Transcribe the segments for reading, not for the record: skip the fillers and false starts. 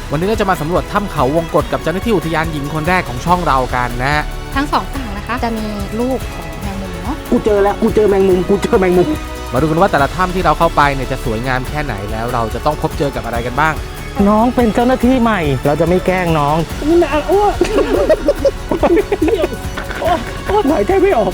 วันนี้เราจะมาสำรวจถ้ำเขาวงกตกับเจ้าหน้าที่อุทยานหญิงคนแรกของช่องเรากันนะฮะทั้งสองฝั่งนะคะจะมีลูกของแมงมุมเนาะกูเจอแล้วกูเจอแมงมุมมาดูกันว่าแต่ละถ้ำที่เราเข้าไปเนี่ยจะสวยงามแค่ไหนแล้วเราจะต้องพบเจอกับอะไรกันบ้างน้องเป็นเจ้าหน้าที่ใหม่เราจะไม่แกล้งน้องนี่นะอ้วกหายใจไม่ออก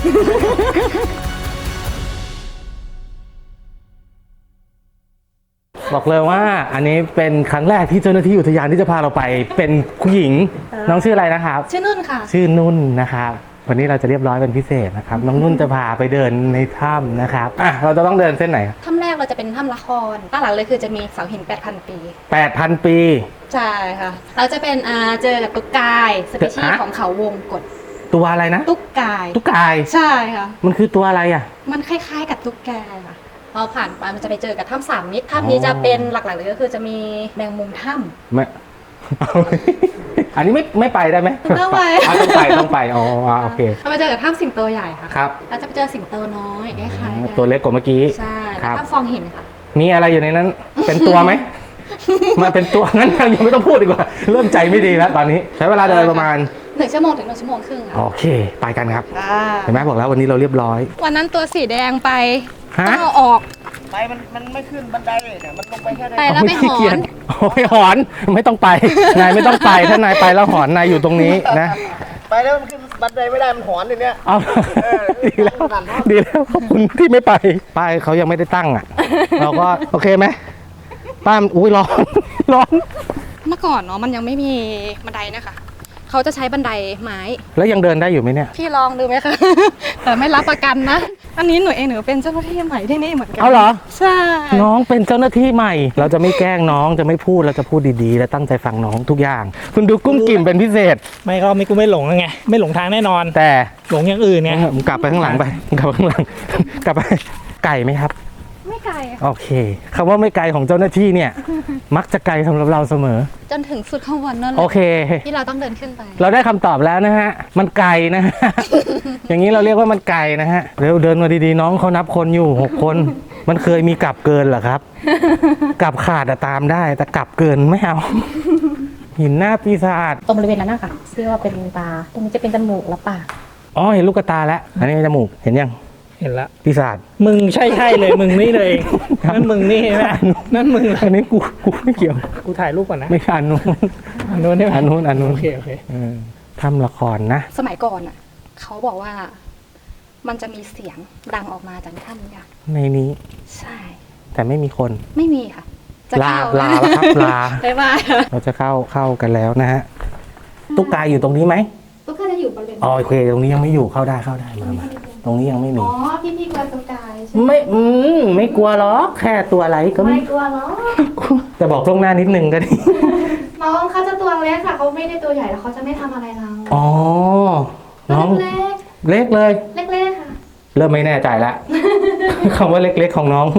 บอกเลยว่าอันนี้เป็นครั้งแรกที่เจ้าหน้าที่อุทยานที่จะพาเราไปเป็นผู้หญิงน้องชื่ออะไรนะครับชื่อนุ่นค่ะชื่อนุ่นนะครับวันนี้เราจะเรียบร้อยเป็นพิเศษนะครับน้องนุ่นจะพาไปเดินในถ้ำนะครับเราจะต้องเดินเส้นไหนถ้ำแรกเราจะเป็นถ้ำละครด้านหลังเลยคือจะมีเสาหิน 8,000 ปี 8,000 ปีใช่ค่ะเราจะเป็นเจอกับตุ๊กกายสปีชีส์ของเขาวงกตตัวอะไรนะตุ๊กกายใช่ค่ะมันคือตัวอะไรอ่ะมันคล้ายๆกับตุ๊กแกค่ะพอผ่านไปมันจะไปเจอกับถ้ำ3 มิตรถ้ำนี้จะเป็นหลักๆเลยก็คือจะมีแมงมุมถ้ำอันนี้ไม่ไปได้ไหมต้องไปต้องไปอ๋อโอเคเราไปเจอกับถ้ำสิงโตใหญ่ค่ะครับเราจะไปเจอสิงโตน้อยคล้ายๆตัวเล็กกว่าเมื่อกี้ใช่ถ้ำฟองหินค่ะมีอะไรอยู่ในนั้นเป็นตัวไหมมาเป็นตัวงั้นยังไม่ต้องพูดดีกว่าเริ่มใจไม่ดีแล้วตอนนี้ใช้เวลาเดินประมาณ 1 ชั่วโมงถึง1 ชั่วโมงครึ่งโอเคไปกันครับเห็นไหมบอกแล้ววันนี้เราเรียบร้อยวันนั้นตัวสีแดงไปต้องเอาออกไปมันไม่ขึ้นบันไดเลยเนี่ยมันลงไปแค่ได้ไปแล้วไม่หอนไม่หอนไม่ต้องไปนายไม่ต้องไปถ้านายไปแล้วหอนนายอยู่ตรงนี้นะไปแล้วมันขึ้นบันไดไม่ได้มันหอนอย่างเนี้ยดีแล้วขอบคุณที่ไม่ไปป้ายเขายังไม่ได้ตั้งอ่ะเราก็โอเคไหมป้าอุ้ยร้อนเมื่อก่อนเนาะมันยังไม่มีบันไดนะคะเขาจะใช้บันไดไม้แล้วยังเดินได้อยู่ไหมเนี่ยพี่ลองดูไหมคะแต่ไม่รับประกันนะอันนี้หนูเป็นเจ้าหน้าที่ใหม่ที่นี่เหมือนกันเอาเหรอใช่น้องเป็นเจ้าหน้าที่ใหม่เราจะไม่แกล้งน้องจะไม่พูดเราจะพูดดีๆและตั้งใจฟังน้องทุกอย่างคุณดูกุ้งกิ่มเป็นพิเศษไม่ก็ไม่กูไม่หลงไงไม่หลงทางแน่นอนแต่หลงอย่างอื่นไงมึงกลับไปข้างหลังไปกลับไปไก่ไหมครับไม่ไกลโอเคคำว่าไม่ไกลของเจ้าหน้าที่เนี่ยมักจะไกลสำหรับเราเสมอจนถึงสุดข้างบนนั่นเลยโอเคที่เราต้องเดินขึ้นไปเราได้คำตอบแล้วนะฮะมันไกลนะฮะ อย่างนี้เราเรียกว่ามันไกลนะฮะเร็วเดินมาดีๆน้องเขานับคนอยู่6 คนมันเคยมีกลับเกินเหรอครับกลับขาดตามได้แต่กลับเกินไม่เอาหินหน้าปีศาจตรงบริเวณนั้นนะคะเรียกว่าเป็นตาตรงนี้จะเป็นจมูกและปากอ๋อเห็นลูกตาแล้วอันนี้จมูกเห็นยังเห็นละปีศาจมึงใช่เลยมึงนี่เลยนั่นมึงนี่ใช่ไหมนั่นมึงอันนี้กูไม่เกี่ยวกูถ่ายรูปก่อนนะไม่อันนู้นได้ไหมอันนู้นโอเคทำละครนะสมัยก่อนอ่ะเขาบอกว่ามันจะมีเสียงดังออกมาจากถ้ำนี้ในนี้ใช่แต่ไม่มีคนไม่มีค่ะลาแล้วครับลาบ๊ายบายเราจะเข้ากันแล้วนะฮะตุ๊กกายอยู่ตรงนี้ไหมตุ๊กกายจะอยู่บริเวณโอเคตรงนี้ยังไม่อยู่เข้าได้มาตรงนี้ยังไม่มีอ๋อพี่กลัวตุ๊กกายใช่ไหมไม่กลัวหรอกแค่ตัวอะไรก็ไม่กลัวหรอกแต่บอกล่วงหน้านิดนึงก็ดีน้องเขาจะตัวเล็กค่ะเขาไม่ได้ตัวใหญ่แล้วเขาจะไม่ทำอะไรเราอ๋อน้องเล็กเลยเล็กค่ะเริ่มไม่แน่ใจละคำว่าเล็กๆของน้อง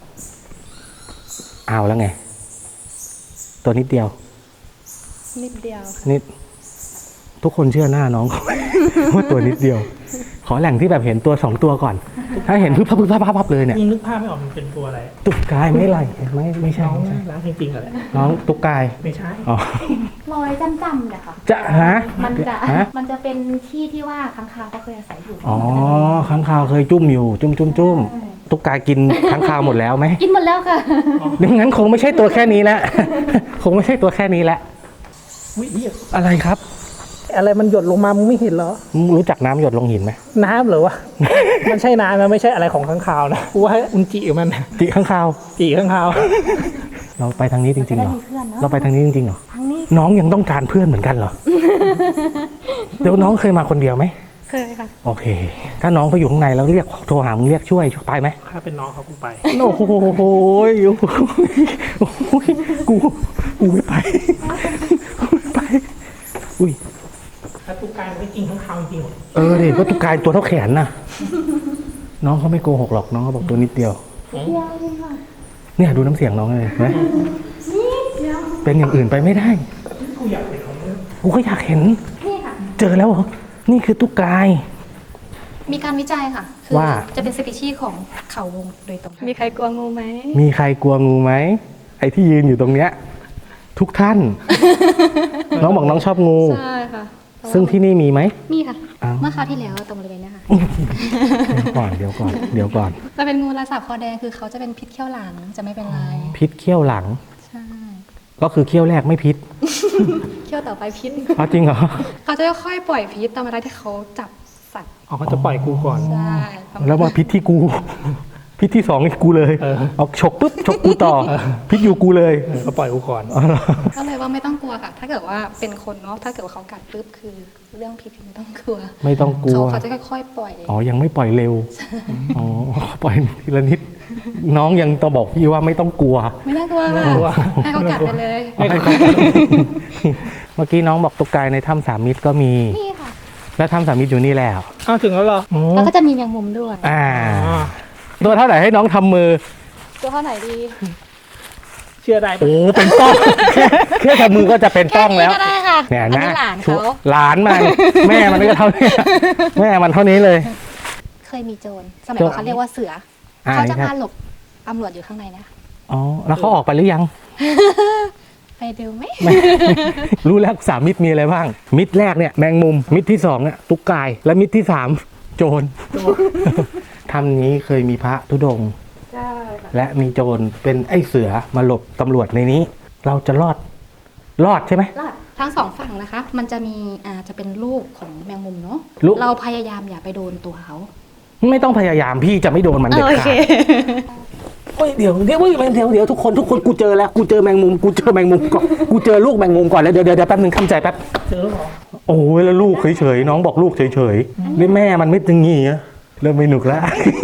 เอาแล้วไงตัวนิดเดียวนิดทุกคนเชื่อหน้าน้องว่าตัวนิดเดียวขอแหล่งที่แบบเห็นตัว2 ตัวก่อนถ้าเห็นพึบพับเลยเนี่ยนึกภาพไม่ออกมันเป็นตัวอะไรตุ๊กกายไม่ใช่ร้านจริงๆเหรอน้องตุ๊กกายไม่ใช่อ๋อรอยจำๆเนี่ยค่ะจะมันจะเป็นที่ที่ว่าค้างคาวเขาเคยอาศัยอยู่อ๋อค้างคาวเคยจุ่มอยู่จุ่มตุ๊กกายกินค้างคาวหมดแล้วไหมกินหมดแล้วค่ะดังนั้นคงไม่ใช่ตัวแค่นี้แล้วคงไม่ใช่ตัวแค่นี้แล้วอะไรครับอะไรมันหยดลงมามึงไม่เห็นเหรอรู้จักน้ำหยดลงหินไหมน้ำเหรอวะมันใช่น้ำนะไม่ใช่อะไรของข้างคาวนะกูว่าอุนจิมันจิข้างคาวเราไปทางนี้จริงๆเหรอเราไปทางนี้จริงๆเหรอน้องยังต้องการเพื่อนเหมือนกันเหรอเดี๋ยวน้องเคยมาคนเดียวไหมเคยค่ะโอเคถ้าน้องเขาอยู่ข้างในแล้วเรียกโทรหามึงเรียกช่วยไปไหมถ้าเป็นน้องเขากูไปโอ้โหกูไม่ไปอุ้ยถ้าตุ๊กกายไม่กินข้างคาวจริงดิเพราะตุ๊กกายตัวเท่าแขนน่ะน้องเขาไม่โกหกหรอกน้องเขาบอกตัวนิดเดียวเนี่ยดูน้ำเสียงน้องเลยไหมเป็นอย่างอื่นไปไม่ได้กูอยากเห็นกูก็อยากเห็นเจอแล้วเหรอนี่คือตุ๊กกายมีการวิจัยค่ะคือว่าจะเป็นสปีชีส์ของเขาวงโดยตรงมีใครกลัวงูไหมไอ้ที่ยืนอยู่ตรงเนี้ยทุกท่าน น้องบอกน้องชอบงูใช่ค่ะซึ่งที่นี่มีไหมมีค่ะอ้าวเมื่อคราวที่แล้วตรงบริเวณเนี้ยค่ะเดี๋ยวก่อนจะเป็นงูลายสาบคอแดงคือเขาจะเป็นพิษเขี้ยวหลังจะไม่เป็นไรพิษเขี้ยวหลังใช่ก็คือเขี้ยวแรกไม่พิษเขี้ยวต่อไปพิษอ๋อจริงเหรอเขาจะค่อยๆปล่อยพิษตามเวลาที่เขาจับสัตว์อ๋อเขาจะปล่อยกูก่อนใช่ประณแล้วมาพิษที่กู พิษที่สองนี่กูเลย เอาฉกปุ๊บฉกกูต่อ พิษอยู่กูเลยเขาปล่อยกูก่อนอ๋อเหรอก็เลยว่าไม่ต้องกลัวค่ะ ถ้าเกิดว่าเป็นคนเนาะถ้าเกิดว่าเขากัดปุ๊บคือเรื่องพิษไม่ต้องกลัวไม่ต้องกลัวเขาจะค่อยๆปล่อยอ๋อ ยังไม่ปล่อยเร็ว อ๋อ ปล่อยทีละนิด น้องยังต้องบอกพี่ว่าไม่ต้องกลัวไม่ต้องกลัวไม่ต้องกลัวให้เขากัดไปเลยไม่ต้องเมื่อกี้น้องบอกตุ๊กไก่ในถ้ำสามมิตรก็มีนี่ค่ะแล้วถ้ำสามมิตรอยู่นี่แล้วอ้าวถึงแล้วเหรอแล้วก็จะมีแมงมุมด้วยอ่าอ๋อตัวเท่าไหร่ให้น้องทำมือตัวเท่าไหนดีเชื่อได้ปะโอ้ เป็นต้อง แค่ทำมือก็จะเป็นต้องแล้วค่ก็ได้ค่ะเนี่ยอันะนี้หลานเขาหลานมัน แม่มันก็เท่านี้ แม่มันเท่านี้เลยเคยมีโจรสมัยก่อนเขาเรียกว่าเสือ เขาจะมาหลบตำรวจอยู่ข้างในนะอ๋อ แล้วเขาออกไปหรือยังไปดูไหมไม่ รู้แล้วสามมิตรมีอะไรบ้าง มิตรแรกเนี่ยแมงมุม มิตรที่สองเนี่ยตุ๊กไก่และมิตรที่สามโจร ถ้ำนี้เคยมีพระธุดงค์ใช่ค่ะและมีโจรเป็นไอ้เสือมาหลบตำรวจในนี้ เราจะรอดใช่ไหมรอดทั้งสองฝั่งนะคะ มันจะมีจะเป็นลูกของแมงมุมเนาะลูกเราพยายามอย่าไปโดนตัวเขาไม่ต้องพยายามพี่จะไม่โดนมันเด็ดขาดเฮ้ยเดี๋ยวทุกคนกูเจอแล้วกูเจอแมงมุมก่อนกูเจอลูกแมงมุมก่อนแล้วเดี๋ยวแป๊บนึงคำใจแป๊บเจอแล้วเหรอโอ้ยแล้วลูกเฉยๆน้องบอกลูกเฉยๆนี่แม่มันไม่ตึงงี้อะเริ่มไม่หนุกแล้ว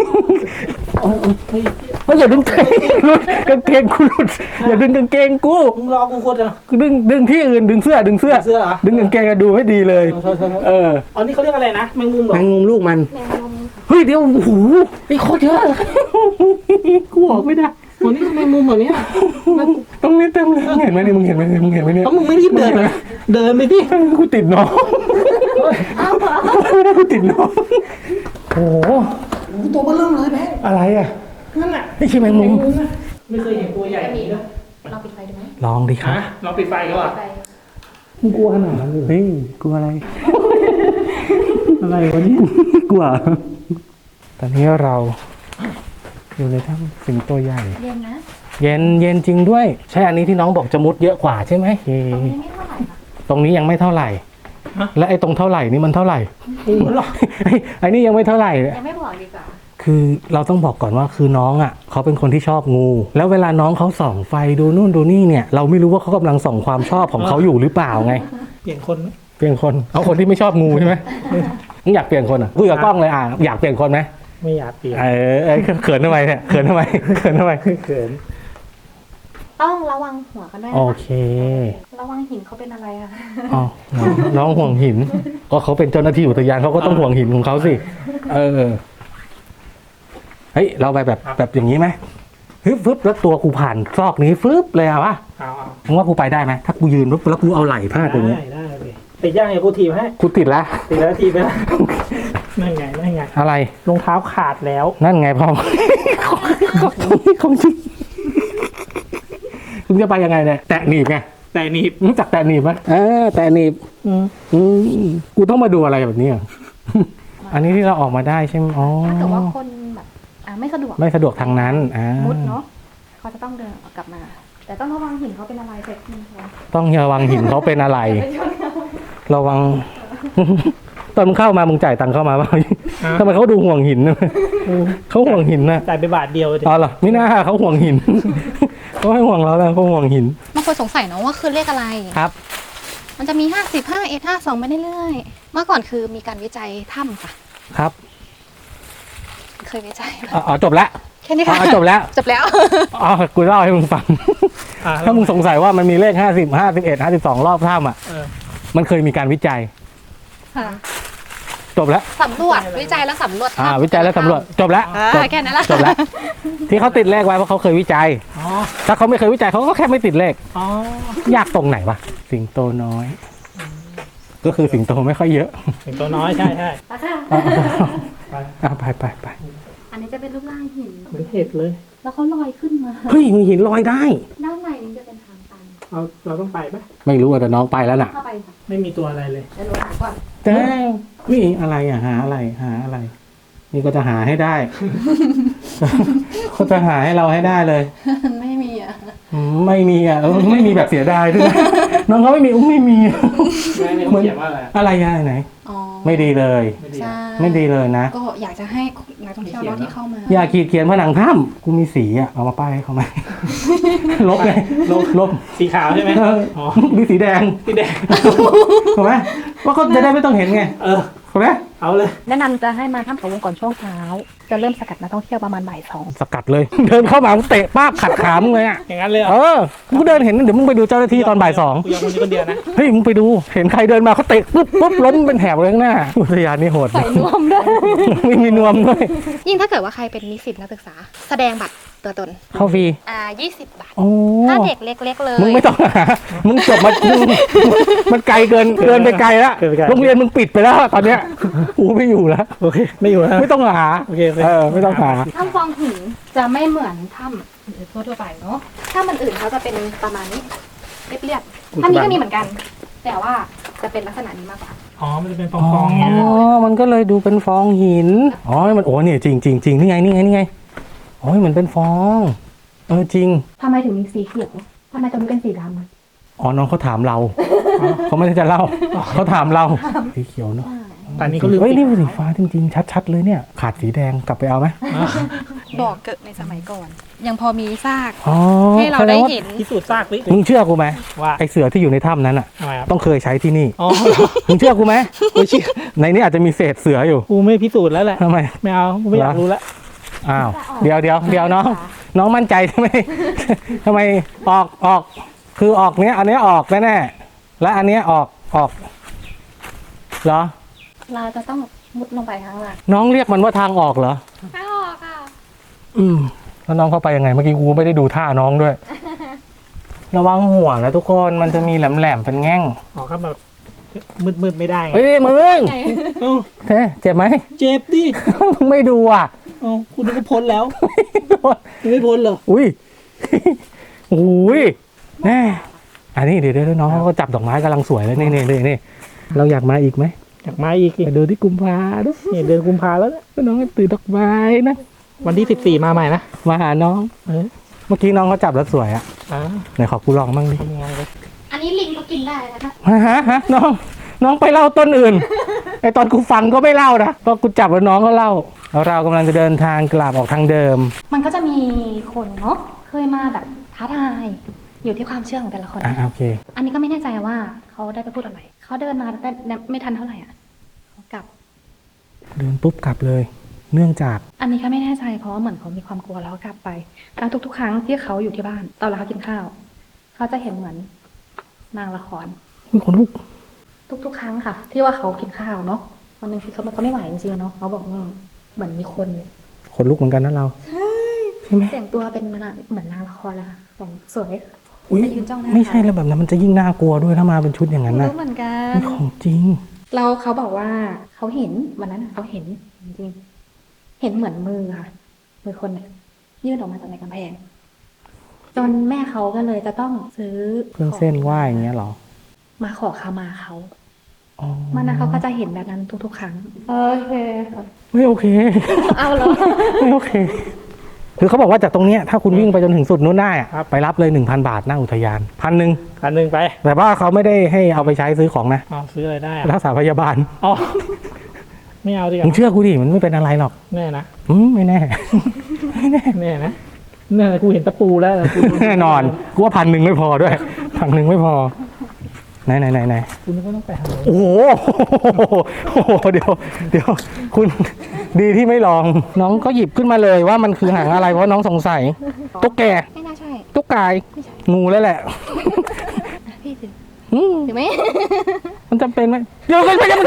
เฮ้ยอย่าดึงหลุดกางเกงกูหลุดอย่าดึงกางเกงกูมึงรอกูโคตรอ่ะดึงที่อื่นดึงเสื้อดึงเสื้อเหรอดึงกางเกงอะดูให้ดีเลยอ๋อนี่เขาเรียกอะไรนะแมงมุมเหรอแมงมุมลูกมันแมงมุมเฮ้ยเดี๋ยวโอ้โหไอ้โคตรเยอะกูออกไม่ได้วันนี้แมงมุมแบบนี้ยตรงนี้เต็มเลยมึงเห็นไหมเนี่ยต้องมึงไม่รีบเดินนะเดินไปดิกูติดน้องไม่ได้กูติดน้องโอ้โหตัวเบลเริ่มเลยแม่อะไรอ่ะนั่นน่ะนี่ใช่แมงมุมนะไม่เคยเห็นตัวใหญ่จะแบบมีนี้เลยเราปิดไฟดูไหมลองดิครับฮะเราปิดไฟก็อ่ะไฟมึงกลัวขนาดนั้นเลยเฮ้ยกลัวอะไร อะไรวะเนี่ยกลัวตอนนี้เราอยู่ในถ้ำสิงโตใหญ่เรียนนะเย็นจริงด้วย ใช่อันนี้ที่น้องบอกจะมุดเยอะกว่าใช่ไหมตรงนี้ไม่เท่าไหร่ค่ะตรงนี้ยังไม่เท่าไหร่ และไอ้ตรงเท่าไหร่นี่มันเท่าไหร่ ไอ้นี่ยังไม่เท่าไหร่ยังไม่บอกดีกว่าคือเราต้องบอกก่อนว่าคือน้องอ่ะเขาเป็นคนที่ชอบงู แล้วเวลาน้องเขาส่องไฟดูนู่นดูนี่เนี่ย เราไม่รู้ว่าเขากำลังส่องความชอบของเขาอยู่หรือเปล่าไงเปลี่ยนคนไหมเปลี่ยนคนเอาคนที่ไม่ชอบงูใช่ไหมมึงอยากเปลี่ยนคนอ่ะคุยกับกล้องเลยอยากเปลี่ยนคนไหมไม่อยากเปลี่ยนเขินทำไมเนี่ยเขินทำไมเขินต้องระวังหัวกันด้วยโอนะคะเคระวังหินเขาเป็นอะไรอะอ๋อน้องห่วงหินก็เขาเป็นเจ้าหน้าที่อุทยานเขาก็ต้องห่วงหินของเขาสิเฮ้ยเราไปแบบอย่างนี้ไหมฟึบแล้วตัวกูผ่านซอกนี้ฟึบเลยอะวะเอามึงว่ากูไปได้ไหมถ้ากูยืนปุ๊บแล้วกูเอาไหล่พาดตรงนี้ได้เลยติดย่างอย่ากูถีบให้กูติดแล้วติดแล้วถีบไปแล้วนั่นไงอะไรรองเท้าขาดแล้วนั่นไงพ่อของจริงมึงจะไปยังไงเนี่ยแตะหนีบไงแต่หนีบรู้จักแตะหนีบไหมแตะหนีบกูต้องมาดูอะไรแบบนี้อ่ะ อันนี้ที่เราออกมาได้ใช่ไหมอ๋อถ้าเกิดว่าคนแบบไม่สะดวกไม่สะดวกทางนั้นมุดเนาะเขาจะต้องเดินกลับมา แต่ต้องระวังหินเขาเป็นอะไรเสร็จทีเขาต้องระวังหินเขาเป็นอะไรไปชนเขาระวัง ตอนมึงเข้ามามึงจ่ายตังค์เข้ามาป่ะทำไมเขาดูห่วงหินนะเขาห่วงหินนะจ่ายไปบาทเดียวอ๋อเหรอไม่น่าเขาห่วงหิน เขาไม่ห่วงเราแล้วเขาห่วงหินบางคนสงสัยเนาะว่าคือเลขอะไรครับมันจะมี50 51 52ไปเรื่อยๆเมื่อก่อนคือมีการวิจัยถ้ำค่ะครับเคยวิจัยอ๋อจบแล้วแค่นี้ค่ะจบแล้วจบแล้วอ๋อกูเล่าให้มึงฟัง ถ้ามึงสงสัยว่ามันมีเลข50 51 52รอบถ้ำอ่ะมันเคยมีการวิจัยค่ะจบแล้วสำรวจวิจัยแล้วสำรวจถ้ำวิจัยแล้วสำรวจจบแล้วจบแค่นั้นแหละจบแล้ว ที่เขาติดเลขไว้เพราะเขาเคยวิจัย ถ้าเขาไม่เคยวิจัยเขาก็แค่ไม่ติดเลข ยากตรงไหนวะสิงโตน้อย ก็คือสิงโตไม่ค่อยเยอะสิงโตน้อยใช่ไปอันนี้จะเป็นรูปร่างหินเหมือนเห็ดเลยแล้วเขาลอยขึ้นมาเฮ้ยมีหินลอยได้ด้านในนี้จะเป็นทางตันเราต้องไปไหมไม่รู้อะแต่น้องไปแล้วน่ะเข้าไปไม่มีตัวอะไรเลยเดี๋ยวหนูหาก่อนแต่นี่อะไรอ่ะหาอะไรหาอะไร นี่ก็จะหาให้ได้ เขาจะหาให้เราให้ได้เลยไม่มีอ่ะไม่มีอ่ะไม่มีแบบเสียดายด้วยนะ น้องเขาไม่มีไม่มีไม่เขาเขียนว่าอะไรอะไรอ่ะไหนอ๋อไม่ดีเลยไม่ดีใช่ไม่ดีเลยนะก็อยากจะให้นักท่องเที่ยวเนอะที่เข้ามาอย่าขีดเขียนผนังถ้ำกูมีสีอ่ะเอามาป้ายให้เขาไหม ลบไงลบสีขาวใช่ไหมเอออ๋อมีสีแดงสีแดงถูกไหมว่าเขาจะได้ไม่ต้องเห็นไงเออถูกไหมเอาเลยแนะนำจะให้มาถ้ำเขาวงก่อนช่วงเช้า จะเริ่มสกัดนักท่องเที่ยวประมาณบ่ายสองสกัดเลย เดินเข้ามาเตะป้าบขัดขามึงเลยอ่ะอย่างนั้นเลยเหรเอออกูเดินเห็นเดี๋ยวมึงไปดูเจ้าหน้าที่ตอนบ่ายสองกูยอมคนนี้คนเดียวนะเฮ้ยมึงไปดูเห็นใครเดินมาเขาเตะปุ๊บล้มเป็นแถบเลยข้างหน้าอุทยานนี่โหดใส่นวมด้วยไม่มีนวมด้วยยิ่งถ้าเกิดว่าใครเป็นนิสิตนักศึกษา แสดงบัตรตัวตนเข้าฟรี 20 บาทโอ้ถ้าเด็กเล็ก ๆ เลยมึงไม่ต้องหามึงจบมามันไกลเกินไปไกลแล้วโรงเรียนมึงปิดไปแล้วตอนเนี้ยกูไม่อยู่แล้วโอเค ไม่อยู่แล้วไม่ต้องหาโอเคไม่ต้องหาถ้ำฟองหินจะไม่เหมือนถ้ำทั่วๆไปเนาะถ้ำมันอื่นเขาจะเป็นประมาณนี้เรียบๆถ้ำนี้ก็มีเหมือนกัน แต่ว่าจะเป็นลักษณะนี้มากกว่าอ๋อ มันจะเป็นฟองๆเงี้ยมันก็เลยดูเป็นฟองหินอ๋อมันโอ้เนี่ยจริงนี่ไงโอ้ยมันเป็นฟองจริงทำไมถึงมีสีเขียวทำไมตรงนี้เป็นสีดำอะอ๋อน้องเขาถามเราเขาไม่ได้จะเล่าเขาถามเราสีเขียวเนาะตอนนี้ก็ลืมเฮ้ยนี่เป็นสีฟ้าจริงๆชัดๆเลยเนี่ยขาดสีแดงกลับไปเอาไหมบ่อเกิดในสมัยก่อน ยังพอมีซากอ๋อให้เราได้เห็นพิสูจน์ซากดิมึงเชื่อกูไหมว่าไอเสือที่อยู่ในถ้ำนั้นอ่ะทำไมครับต้องเคยใช้ที่นี่อ๋อมึงเชื่อกูไหมกูเชื่อในนี้อาจจะมีเศษเสืออยู่กูไม่พิสูจน์แล้วแหละทำไมไม่เอากูไม่อยากรู้แล้วอ้าวเดี๋ยวน้องมั่นใจใช่ไหม ทำไมออกคือออกเนี้ยอันเนี้ยออกแน่ๆและอันเนี้ยออกเหรอเราจะต้องมุดลงไปข้างล่างน้องเรียกมันว่าทางออกเหรอไม่ออกค่ะแล้วน้องเข้าไปยังไงเมื่อกี้กูไม่ได้ดูท่าน้องด้วย ระวังหัวนะทุกคนมันจะมีแหลมๆเป็นแง่งอ๋อครับแบบมืดๆไม่ได้ไงเฮ้ยมึงเอ้าเจ็บไหมเจ็บดิมึงไม่ดูอ่ะเอ้าคุณนึกว่าพ้นแล้วยังไม่พ้นเหรออุ้ย อุ้ยแน่อันนี้เดี๋ยวน้องเขาก็จับดอกไม้กำลังสวยเลยนี่เราอยากมาอีกไหมอยากมาอีกไปดูที่กุมภาดูนี่เดือนกุมภาแล้วเนี่ยน้องตื่นดอกไม้นะวันที่14มาใหม่นะมาหาน้องเออเมื่อกี้น้องเขาจับแล้วสวยอ่ะอ่าไหนขอกูลองบ้างดิทำยังไงเลยอันนี้ลิงก็กินได้นะคะฮะน้องไปเล่าต้นอื่น ไอตอนกูฟังก็ไม่เล่านะตอนกูจับแล้วน้องก็เล่าแล้วเรากำลังจะเดินทางกลับออกทางเดิมมันก็จะมีคนเนาะเคยมาแบบท้าทายอยู่ที่ความเชื่อของแต่ละคนโอเคอันนี้ก็ไม่แน่ใจว่าเขาได้ไปพูดอะไรเขาเดินมาแต่ไม่ทันเท่าไหร่อ่ะเขากลับเดินปุ๊บกลับเลย เนื่องจากอันนี้ก็ไม่แน่ใจเพราะว่าเหมือนเขามีความกลัวแล้วก็กลับไปการทุกๆครั้งที่เขาอยู่ที่บ้านตอนเวลาเขากินข้าวเขาจะเห็นเหมือนนางละครมีคนลุกทุกๆครั้งค่ะ ที่ว่าเขากินข้าวเนาะวันหนึ่งที่เขาไม่ไหวจริงๆเนาะเขาบอกว่าเหมือนมีคนคนลุกเหมือนกันนะเราใช่ไหมแต่งตัวเป็นเหมือนนางละครเลยค่ะแต่งสวยอุ๊ยไปยืนจ้องหน้าไม่ใช่แล้วแบบนั้นมันจะยิ่งน่ากลัวด้วยถ้ามาเป็นชุดอย่างนั้นนะรู้เหมือนกันนี่ของจริงเราเขาบอกว่าเขาเห็นวันนั้นเขาเห็นจริงๆเห็นเหมือนมือค่ะมือคนเนี่ยยื่นออกมาจากในกำแพงจนแม่เขาก็เลยจะต้องซื้อเครื่องเส้นไหว้อย่างเงี้ยเหรอมาขอขมาเขาอ๋อมันนะเขาก็จะเห็นแบบนั้นทุกๆครั้งโอเคไม่โอเคเอาเหรอไม่โอเค คือเขาบอกว่าจากตรงเนี้ยถ้าคุณวิ่งไปจนถึงสุดนู้นได้อะไปรับเลย 1,000 บาทหน้าอุทยาน1,000 คันหนึ่งไปแต่ว่าเขาไม่ได้ให้เอาไปใช้ซื้อของนะอ๋อซื้ออะไรได้รักษาพยาบาลอ๋อไม่เอาดีกมึงว่าเชื่อกูดิมันไม่เป็นอะไรหรอกแน่นะไม่แน่ ไม่แน่แน่นะเนี่ยกูเห็นตะปูแล้วกูแน่นอนกูว่า1,000ไม่พอด้วย1,000ไม่พอไหนกูนึกว่าต้องไปทางนู้นโอ้โหเดี๋ยวคุณดีที่ไม่ลองน้องก็หยิบขึ้นมาเลยว่ามันคือหางอะไรเพราะน้องสงสัยตุ๊กแกไม่น่าใช่ตุ๊กกายงูแล้วแหละพี่ถืออืมถือไหมมันจำเป็นไหมเดี๋ยวไม่ได้มัน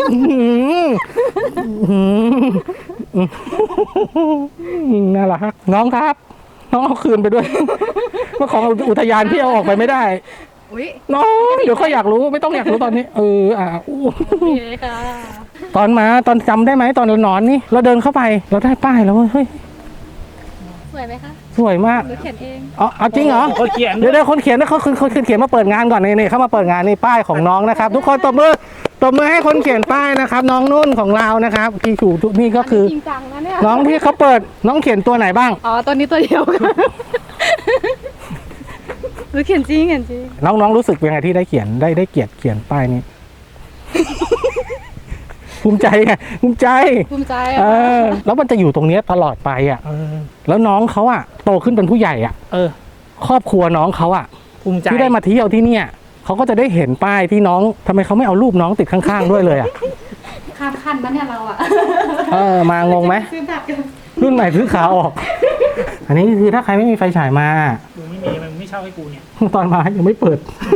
น่ารักน้องครับ น้องเอาคืนไปด้วยว่าของอุทยานพี่เอาออกไปไม่ได้อุ้ยน้องเดี๋ยวเขาอยากรู้ไม่ต้องอยากรู้ตอนนี้อู้ดีเลยค่ะตอนจำได้ไหมตอนเรานอนนี่เราเดินเข้าไปเราได้ป้ายแล้วว่าเฮ้ยสววยไหมคะสวยมากหนูเขียนเองอ๋อเอาจริงเหรอคนเขียนเดี๋ยวคนเขียนนะคนเขียนมาเปิดงานก่อนนี่เข้ามาเปิดงานนี่ป้ายของน้องนะครับ ทุกคนตบมือให้คนเขียนป้ายนะครับ น้องนุ่นของเรานะครับที่ถูกนี่ก็คือจริงจังนะเนี่ยน้องที่เขาเปิดน้องเขียนตัวไหนบ้างอ๋อตัวนี้ตัวเดียวกันหนูเขียนจริงน้องรู้สึกยังไงที่ได้เขียนได้เกียรติเขียนป้ายนี้ ภูมิใจไงภูมิใจภูมิใจเออ่ะอแล้วมันจะอยู่ตรงเนี้ยตลอดไปอ่ะ แล้วน้องเขาอ่ะโตขึ้นเป็นผู้ใหญ่อ่ะ ครอบครัวน้องเขาอ่ะภูมิใจที่ได้มาเที่ยวที่เนี่ยเขาก็จะได้เห็นป้ายที่น้องทำไมเขาไม่เอารูปน้องติดข้างๆด้วยเลยอ่ะข้ามขั้นนะเนี่ยเราอ่ะมางงไหมซื้อบัตรกันรุ่นใหม่ซื้อขาออก อันนี้คือถ้าใครไม่มีไฟฉายมากูไม่มีมันไม่เช่าให้กูเนี่ยตอนมายังไม่เปิด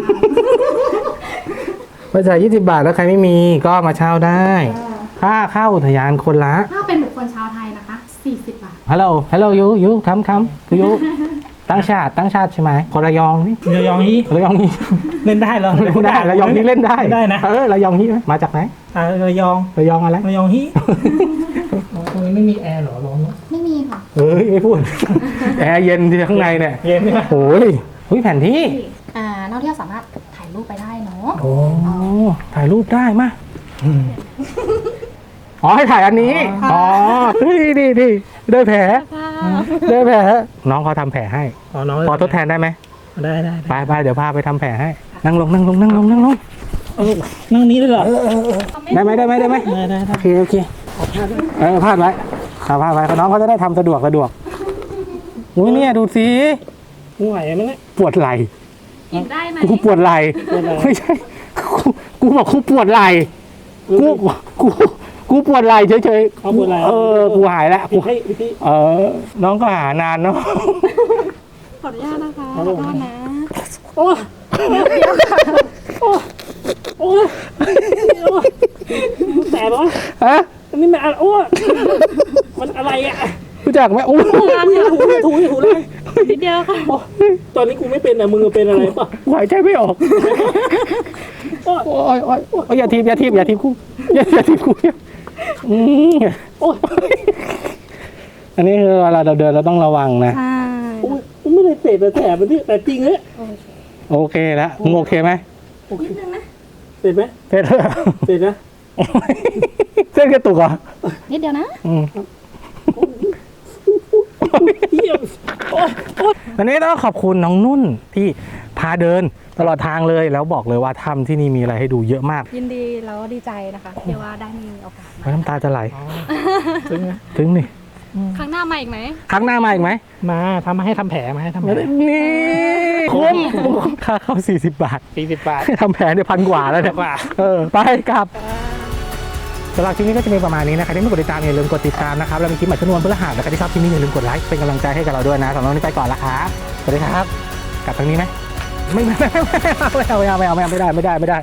ไฟฉาย20 บาทแล้วใครไม่มีก็มาเช่าได้ ค่าเข้าอุทยานคนละถ้าเป็นบุคคลชาวไทยนะคะ40 บาทฮัลโหลยูคำยูตั้งชาติใช่ไหมคนระยองนี่ระยองนี้ระยองนี่เล่นได้เหรอเล่นได้ระยองนี่เล่นได้ได้นะระยองนี่มาจากไหนระยองระยองอะไรระยองฮีตรงนี้ไม่มีแอร์เหรอร้อนเนอะไม่มีค่ะเฮ้ยไม่พูด แอร์เย็นที่ข้างในเนี่ยเย็นใช่ไหมโอ้ยแผนที่นักท่องเที่ยวสามารถถ่ายรูปไปได้เนาะโอ้ถ่ายรูปได้มาอ๋อให้ถ่ายอันนี้ อ๋อดีได้แผลน้องเขาทำแผลให้น้องพอทดแทนได้ไหมได้ไปเดี๋ยวพาไปทำแผลให้ นั่งลงนั่งนี้เลยเหรอได้ไหมได้โอเคพลาดไว้น้องเขาจะได้ทำสะดวกอุ้ยเนี่ยดูสิกูไหวไหมเนี่ยปวดไหล่กินได้ไหมกูปวดไหล่ไม่ใช่กูบอกกูปวดไหล่กูปวดไหล่เฉยๆเอาปวดไหล่กูหายแล้วให้พี่น้องก็หานานเนาะขออนุญาตนะคะขอโทษนะโอ้แต่ปะฮะอันนี้มันอะไรโอ้มันอะไรอ่ะรู้จักไหมโอ้ถูเลยนิดเดียวค่ะตอนนี้กูไม่เป็นอ่ะมึงเป็นอะไรปะหายใจไม่ออกโอ้ยอย่าทีบกูอย่าทีบกูอันนี้คือเวลาเราเดินเราต้องระวังนะใช่กูไม่ได้เตะแต่มันที่แต่จริงเลยโอเคแล้วมึงโอเคไหมนิดนึงนะเตะไหมเสร็จแล้วเตะนะเส้นกระตุกเหรอนิดเดียวนะอันนี้ต้องขอบคุณน้องนุ่นที่พาเดินตลอดทางเลยแล้วบอกเลยว่าถ้ำที่นี่มีอะไรให้ดูเยอะมากยินดีแล้วดีใจนะคะที่ว่าได้มีโอกาสน้ำตาจะไหลถึงนะถึงนี่ครั้งหน้ามาอีกไหมครั้งหน้ามาอีกไหมมาทำมาให้ทำแผลมาให้ทำแผลนี่คุ้มค่าเข้า40 บาท 40 บาททำแผลเนี่ย1,000 กว่าแล้วเนี่ยกว่าไปกลับสำหรับคลิปนี้ก็จะมีประมาณนี้นะครับที่ไม่กดติดตามอย่าลืมกดติดตามนะครับแล้วมีคลิปใหม่ทุกวันพฤหัสนะครับที่ชอบคลิปนี้อย่าลืมกดไลค์เป็นกำลังใจให้กับเราด้วยนะสำหรับวันนี้ไปก่อนละครับสวัสดีครับกลับทางนี้ไหมไม่เอาไม่ได้